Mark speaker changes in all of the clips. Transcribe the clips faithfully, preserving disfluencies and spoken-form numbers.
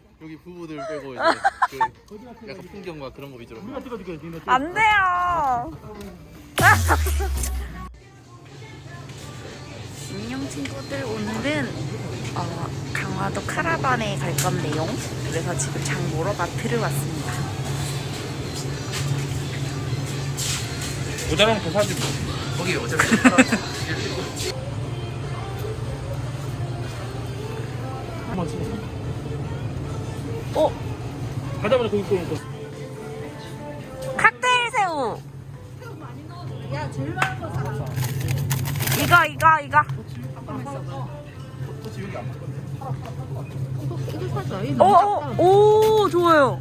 Speaker 1: 여기 부부들 빼고 이제 그 약간 풍경과 그런 거 위주로.
Speaker 2: 안 돼요. 안녕 친구들, 오늘은 어, 강화도 카라반에 갈 건데요. 그래서 지금 장 보러 마트를 왔습니다.
Speaker 3: 모자라면 더 사지 뭐.
Speaker 1: 거기 어차피
Speaker 2: 어?
Speaker 3: 가자마자 거기 꺼놓고.
Speaker 2: 칵테일 새우. 야, 제일 많은 거 사라. 이거 이거 이거.
Speaker 4: 이거 사자. 이
Speaker 2: 오,
Speaker 4: 너무 작다.
Speaker 2: 오, 오 좋아요.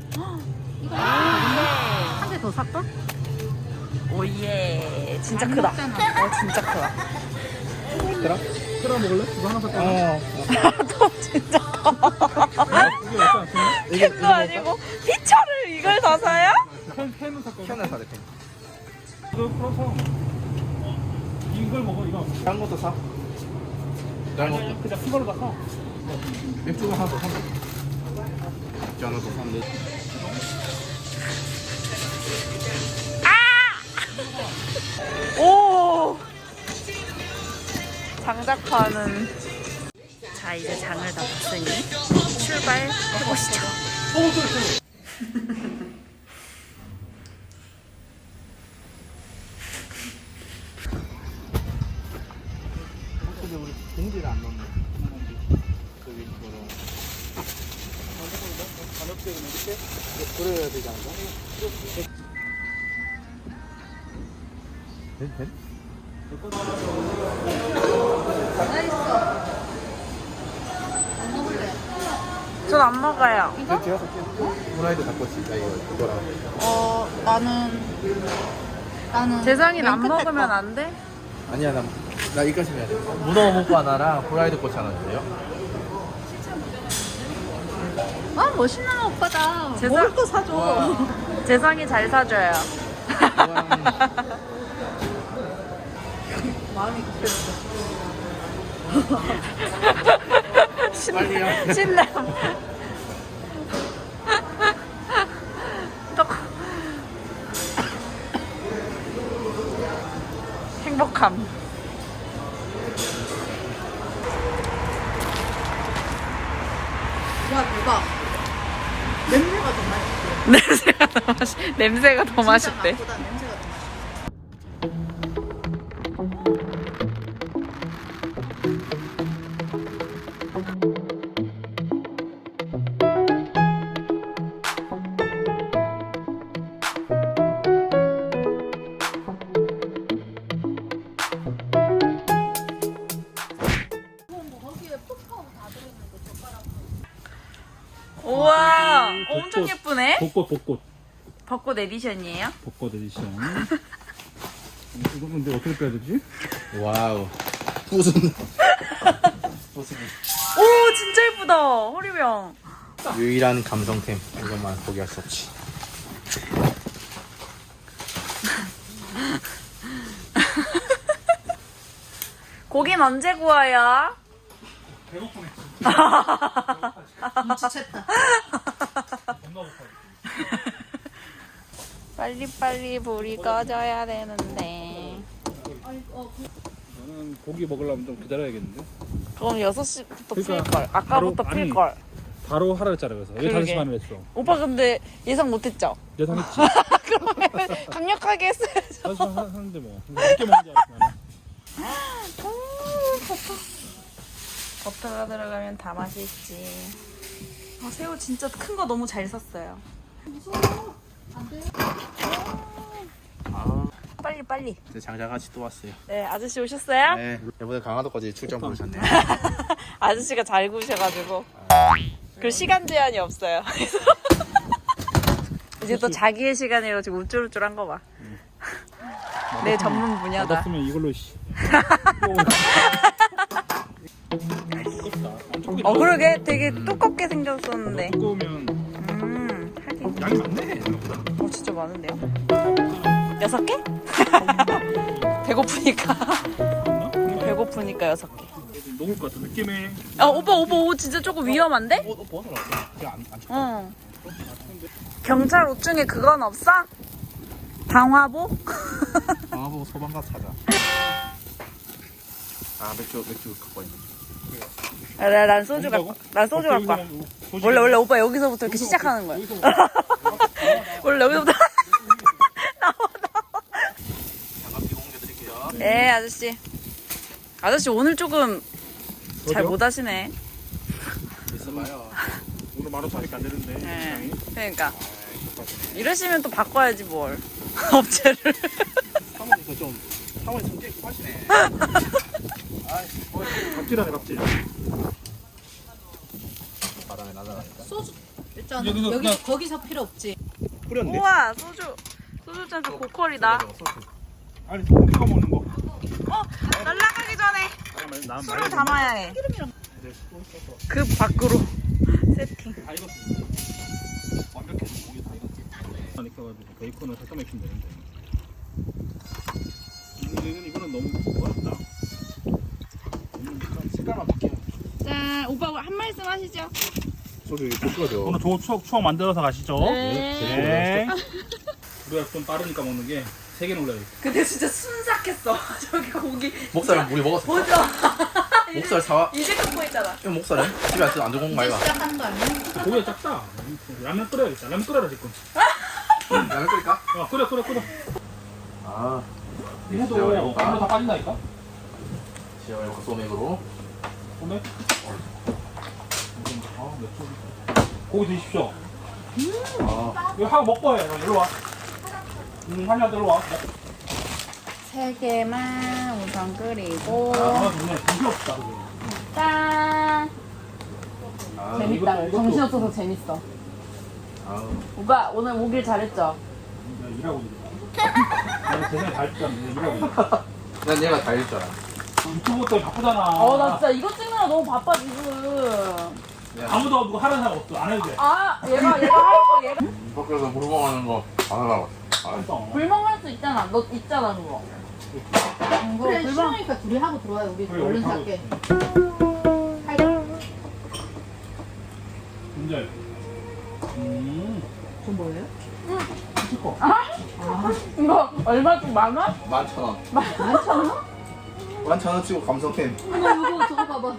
Speaker 4: 한 개 더 살까?
Speaker 2: 오예. 진짜
Speaker 4: 안
Speaker 2: 크다.
Speaker 4: 먹잖아.
Speaker 2: 어, 진짜 크다.
Speaker 3: 그라? 그라 먹을래? 이거 하나 살까? 어.
Speaker 2: 또 진짜 커.
Speaker 3: 이게 맞지 않겠나?
Speaker 2: 캔도 아니고 피처를 이걸 다 사요?
Speaker 3: 펜, 펜은 살까?
Speaker 1: 편한 사대 편.
Speaker 3: 이거 풀어서. 이걸 먹어, 이거.
Speaker 1: 다른 것도 사. 다른
Speaker 3: 아니,
Speaker 1: 것도.
Speaker 3: 그냥 큰 걸로 다 사.
Speaker 1: 맥주가 하나 더 산다. 맥주 하나 더 산대.
Speaker 2: 오! 장작파는. 자, 이제 장을 다 봤으니 출발해보시죠.
Speaker 1: 근데 우리 봉지를 안 넣네. 저기 뭐로. 가볍게 그냥 이렇게 그래야 되지 않나? 된? 된?
Speaker 2: 전 안 먹어요.
Speaker 1: 이거? 제가 살게. 후라이드 닭꼬치. 나 이거 이거랑.
Speaker 4: 어, 나는 나는
Speaker 2: 재상이는 안
Speaker 4: 맨 끝에
Speaker 2: 먹으면
Speaker 4: 거.
Speaker 2: 안 돼?
Speaker 1: 아니야, 나, 나 이까지 해야 돼. 문어 먹고 하나랑 후라이드 꼬치 하나 주세요.
Speaker 4: 아, 멋있는 오빠다.
Speaker 2: 재상-
Speaker 4: 먹을 거 사줘.
Speaker 1: 와.
Speaker 2: 재상이 잘 사줘요.
Speaker 4: 마음이 급했어.
Speaker 2: 신,
Speaker 1: 빨리요.
Speaker 2: 신남. 또 행복함.
Speaker 4: 야, 대박. 냄새가 더 맛있어.
Speaker 2: 냄새가 더 맛있. 냄새가 더 맛있대.
Speaker 4: 맛보다 냄새가 더 맛있어.
Speaker 2: 우와,
Speaker 3: 음,
Speaker 2: 엄청
Speaker 3: 벚꽃.
Speaker 2: 예쁘네.
Speaker 3: 벚꽃, 벚꽃.
Speaker 2: 벚꽃 에디션이에요?
Speaker 3: 벚꽃 에디션. 이거 근데 어떻게 빼야 되지?
Speaker 1: 와우. 무슨. 무슨.
Speaker 2: 오, 진짜 예쁘다. 허리병.
Speaker 1: 유일한 감성템. 이것만 포기할 수 없지.
Speaker 2: 고긴 언제 구워요?
Speaker 3: 배고프네.
Speaker 4: 눈치챘다.
Speaker 3: 겁나 고파.
Speaker 2: 빨리빨리 불이 꺼져야 되는데.
Speaker 3: 저는 고기 먹으려면 좀 기다려야겠는데.
Speaker 2: 그럼 여섯 시부터
Speaker 3: 그러니까
Speaker 2: 필걸. 아까부터
Speaker 3: 바로- 아니.
Speaker 2: 필걸.
Speaker 3: 바로 하라 했잖아, 그래서. 왜
Speaker 2: 그러게.
Speaker 3: 다섯 시 반을 했어?
Speaker 2: 오빠 근데 예상 못했죠?
Speaker 3: 예상했지.
Speaker 2: 그러면 강력하게 했어야죠.
Speaker 3: 다섯 시 반 하- 하는데 뭐. 늦게 먹는 줄 알았어, 나는.
Speaker 2: 버터가 들어가면 다 맛있지. 아, 새우 진짜 큰 거 너무 잘 샀어요.
Speaker 1: 아,
Speaker 2: 빨리 빨리.
Speaker 1: 이제 장자같이 또 왔어요.
Speaker 2: 네, 아저씨 오셨어요?
Speaker 1: 네. 이번에 강화도까지 출장 부르셨네요.
Speaker 2: 아저씨가 잘 구우셔가지고. 그 시간 제한이 없어요. 이제 또 자기의 시간으로 지금 우쭐우쭐한 거 봐. 내 전문 분야다.
Speaker 3: 받았으면 이걸로, 씨.
Speaker 2: 어, 그러게 되게 두껍게 생겼었는데.
Speaker 3: 두꺼우면
Speaker 2: 음, 하긴.
Speaker 3: 양이 많네, 생각보다.
Speaker 2: 어, 진짜 많은데요? 여섯 개? 배고프니까. 배고프니까 여섯 개.
Speaker 3: 녹을 것 같은 느낌이.
Speaker 2: 아 오빠 오빠 옷 진짜 조금 위험한데?
Speaker 1: 옷, 옷 벗어놨어. 그냥 안, 안 쳐.
Speaker 2: 어. 경찰 옷 중에 그건 없어? 방화복?
Speaker 1: 방화복 소방 가서 찾아. 아 맥주 맥주 갖고 있는.
Speaker 2: 아, 나, 난 소주 갖고 난 소주 갖고 와. 원래 원래 오빠 여기서부터 이렇게 시작하는 거야. 원래 여기서부터 나와 나와.
Speaker 1: 장갑 끼고 옮겨드릴게요.
Speaker 2: 예 아저씨. 아저씨 오늘 조금 잘 못 하시네.
Speaker 1: 있어봐요.
Speaker 3: 오늘 만 오천밖에 안 되는데.
Speaker 2: 예. 그러니까 이러시면 또 바꿔야지 뭘 업체를.
Speaker 1: 사모님도 좀 사모님 성격이 급하시네.
Speaker 3: 갑질하네 갑질.
Speaker 1: 바람에 날아가니까.
Speaker 4: 소주 일단
Speaker 3: 여기서
Speaker 4: 여기
Speaker 3: 그냥-
Speaker 4: 거기서 필요 없지.
Speaker 3: 뿌렸네.
Speaker 2: 우와 소주 소주 잔도 고퀄이다.
Speaker 3: 아니 소금 찍어 먹는 거.
Speaker 2: 어 날라가기 전에
Speaker 3: 아니, 난
Speaker 2: 술을
Speaker 3: 말고
Speaker 2: 담아야 해.
Speaker 3: 네, 소금 써서
Speaker 2: 그 밖으로 세팅.
Speaker 3: 다 익었어. 완벽해. 고기 다 익었어. 안 익혀가지고 베이컨을 살짝 익히면 되는데. 음, 이거는 너무 어렵다.
Speaker 1: 색깔만 바뀌어.
Speaker 2: 자 오빠 한 말씀 하시죠.
Speaker 1: 소주 볶아줘.
Speaker 3: 오늘 좋은 추억 추억 만들어서 가시죠.
Speaker 2: 네.
Speaker 3: 네. 우리가 좀 빠르니까 먹는 게 세 개는 올려야 돼.
Speaker 2: 근데 진짜 순삭했어. 저기 고기.
Speaker 1: 목살은 우리 먹었어.
Speaker 2: 보죠.
Speaker 1: 목살 사와.
Speaker 2: 이제 갖고 있잖아.
Speaker 1: 이거 목살은 집에 안 안 들고 온 거
Speaker 4: 이제
Speaker 1: 아이가?
Speaker 4: 시작하는 거 아니야?
Speaker 3: 고기가 작다. 라면 끓여야겠다. 라면 끓여라 지금.
Speaker 1: 라면 끓일까?
Speaker 3: 야 끓여 끓여 끓여.
Speaker 1: 아.
Speaker 3: 이모도
Speaker 1: 지워
Speaker 3: 물로 다
Speaker 1: 해볼까?
Speaker 3: 빠진다니까.
Speaker 1: 지워 해볼까 소맥으로.
Speaker 3: 오늘. 아 맥주. 고기 드십시오.
Speaker 1: 아.
Speaker 3: 이거 하고 먹고 해. 일로 와. 음 한이한테 일로 와.
Speaker 2: 세 개만 우선 끓이고.
Speaker 3: 아 좋네. 정신 없다 그게.
Speaker 2: 짠.
Speaker 1: 아.
Speaker 2: 재밌다.
Speaker 3: 이것도- 이것도-
Speaker 2: 정신없어서 재밌어.
Speaker 1: 아.
Speaker 2: 오빠 오늘 오길 잘했죠?
Speaker 3: 내가 일하고 있어. 내가 세상에 다 했잖아. 내가 일하고 있어.
Speaker 1: 난 얘가 다 읽잖아.
Speaker 3: 유튜브 때문에 바쁘잖아.
Speaker 2: 어 나 진짜 이거 찍느라 너무 바빠 지금.
Speaker 3: 아무도 누구 하는 사람 없어. 안 해도 돼.
Speaker 2: 아 얘가 얘가 할 거 얘가.
Speaker 1: 밖에서 물건하는 거 안 하려고. 아.
Speaker 3: 알았어.
Speaker 2: 불멍할 수 있잖아. 너 있잖아 그거. 응, 그거
Speaker 4: 그래
Speaker 2: 불멍.
Speaker 4: 시원하니까 둘이 하고 들어와요. 우리
Speaker 3: 그래,
Speaker 4: 얼른
Speaker 3: 우리
Speaker 4: 살게.
Speaker 3: 문제. 음.
Speaker 4: 저 뭐예요?
Speaker 3: 치코.
Speaker 2: 이거 얼마 좀 만 원?
Speaker 1: 만천 원.
Speaker 4: 만천 원?
Speaker 1: 만천 원 치고 감성템.
Speaker 4: 이거 이거 저거 봐봐.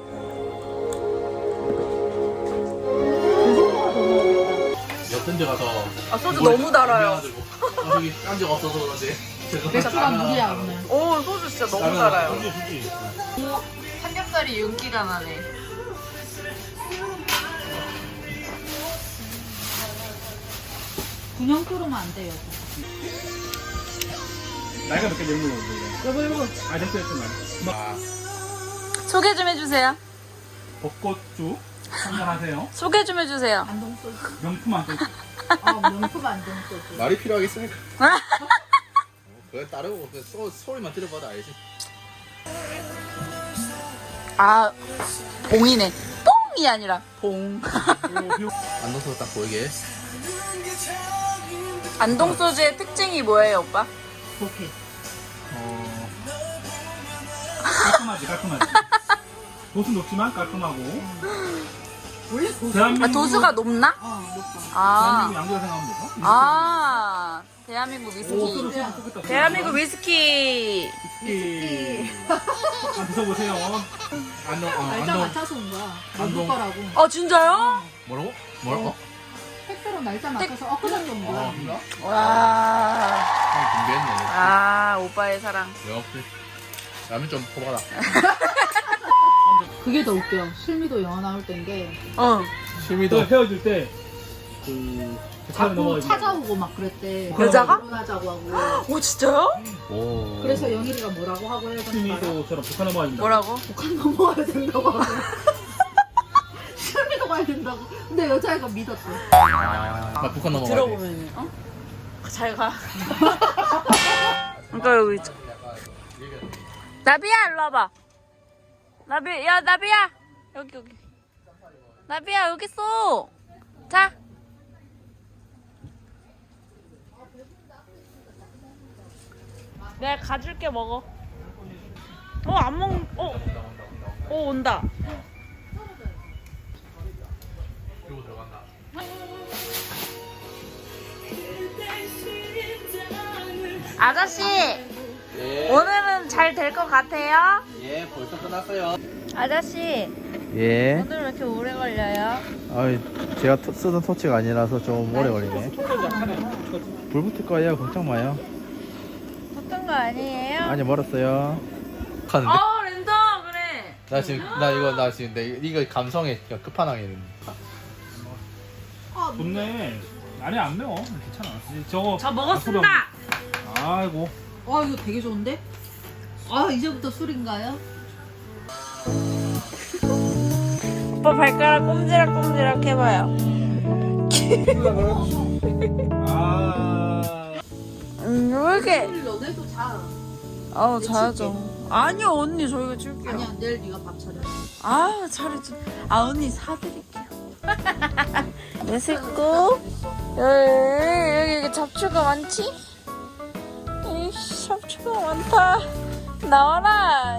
Speaker 1: 몇 군데 가서.
Speaker 2: 아 소주 너무 달아요.
Speaker 1: 아, 저기 딴 적 없어서 그런데.
Speaker 4: 맥주가 물이야 오늘.
Speaker 2: 오 소주 진짜 너무
Speaker 1: 라면
Speaker 2: 달아요.
Speaker 3: 주지 주지.
Speaker 2: 삼겹살이 윤기가 나네.
Speaker 4: 분영 끓으면 안 돼요.
Speaker 3: 나이가 몇 개 되는 걸로 이거.
Speaker 4: 여보 여보.
Speaker 3: 아 됐어 됐어 나.
Speaker 1: 아.
Speaker 2: 소개 좀 해주세요.
Speaker 3: 벚꽃주 한잔 하세요.
Speaker 2: 소개 좀 해주세요.
Speaker 4: 안동 소주.
Speaker 3: 명품 안 돼.
Speaker 4: 아 명품 안동 소주.
Speaker 1: 말이 필요하겠습니까? 그걸 따르고 그 소, 소리만 들어봐도 알지.
Speaker 2: 아 봉이네. 뽕이 아니라 봉.
Speaker 1: 안 넣어서 딱 보이게.
Speaker 2: 안동 소주의 특징이 뭐예요, 오빠?
Speaker 4: 오케이.
Speaker 3: 어. 깔끔하지 깔끔하지. 도수 높지만 깔끔하고.
Speaker 4: 원래 고수.
Speaker 3: 대한민국
Speaker 2: 아 도수가 높나?
Speaker 4: 어 높아.
Speaker 2: 아,
Speaker 3: 대한민국 양조라 생각하면 되죠?
Speaker 2: 아 대한민국
Speaker 3: 오, 소주
Speaker 2: 위스키.
Speaker 3: 소주 좋겠다.
Speaker 2: 대한민국 위스키.
Speaker 3: 위스키. 한번 드셔보세요.
Speaker 1: 안동 어,
Speaker 4: 날짜
Speaker 1: 안동
Speaker 4: 맞춰서 온 거야.
Speaker 1: 안동.
Speaker 4: 먹을 거라고.
Speaker 2: 어 진짜요?
Speaker 1: 뭐라고? 뭐라고?
Speaker 4: 택배로 날짜 맞춰서 엊그저께 온
Speaker 1: 아
Speaker 4: 거야.
Speaker 1: 몰라?
Speaker 2: 와.
Speaker 1: 형 준비했네.
Speaker 2: 아 오빠의 사랑.
Speaker 1: 역시 라면 좀 퍼봐라.
Speaker 4: 그게 더 웃겨. 실미도 영화 나올 때인 게
Speaker 2: 어.
Speaker 1: 실미도
Speaker 3: 또 헤어질 때그
Speaker 4: 자꾸 찾아오고 막 그랬대.
Speaker 2: 여자가?
Speaker 4: 결혼하자고 하고.
Speaker 2: 오 진짜요?
Speaker 1: 오.
Speaker 4: 그래서 영일이가 뭐라고 하고 해야 되는 거야?
Speaker 3: 실미도처럼 북한 넘어가야 된다.
Speaker 2: 뭐라고?
Speaker 4: 북한 넘어가야 된다고 하고. 실미도 가야 된다고. 근데 여자애가 믿었대.
Speaker 1: 아, 북한 넘어가.
Speaker 2: 들어보면 어? 잘 가. 그러니까 여기 있죠. 나비야 일로 와봐. 나비 야 나비야 여기 여기. 나비야 여기 있어. 자. 내가 가줄게 먹어. 어 안 먹. 어. 오 온다.
Speaker 1: 그리고 들어간다.
Speaker 2: 아저씨
Speaker 1: 예.
Speaker 2: 오늘은 잘 될 것 같아요?
Speaker 1: 예, 벌써 끝났어요.
Speaker 2: 아저씨
Speaker 1: 예.
Speaker 2: 오늘 왜 이렇게 오래 걸려요?
Speaker 1: 아, 제가 토- 쓰던 토치가 아니라서 좀 오래 걸리네. 불 붙을 거예요. 걱정 마요.
Speaker 2: 붙은 거 아니에요?
Speaker 1: 아니, 멀었어요. 가는데.
Speaker 2: 어 랜덤 그래.
Speaker 1: 나 지금 나 이거 나 지금 내 이거 감성에 그냥 끝판왕이네.
Speaker 3: 좋네. 아니 안 매워. 괜찮아. 저거
Speaker 2: 저 먹었습니다.
Speaker 3: 아이고.
Speaker 4: 와 이거 되게 좋은데? 아 이제부터 술인가요?
Speaker 2: 오빠 발가락 꼼지락꼼지락 해봐요.
Speaker 3: 아.
Speaker 2: 음, 왜 이렇게?
Speaker 4: 술 너네도 자.
Speaker 2: 아우 자야죠. 아니요 언니 저희가 줄게요.
Speaker 4: 아니야 내일 네가 밥 차려.
Speaker 2: 아 차리지. 아 언니 사드릴게요. 내 식구. 여기 여기 여기 잡초가 많지? 이씨 잡초가 많다. 나와라.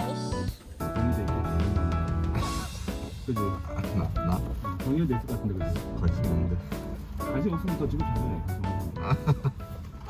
Speaker 3: 그지?
Speaker 5: 나? 나?
Speaker 3: 정리될 것 같은데 그지?
Speaker 5: 관심 없는데.
Speaker 3: 관심 없으면 더 지금 잘해.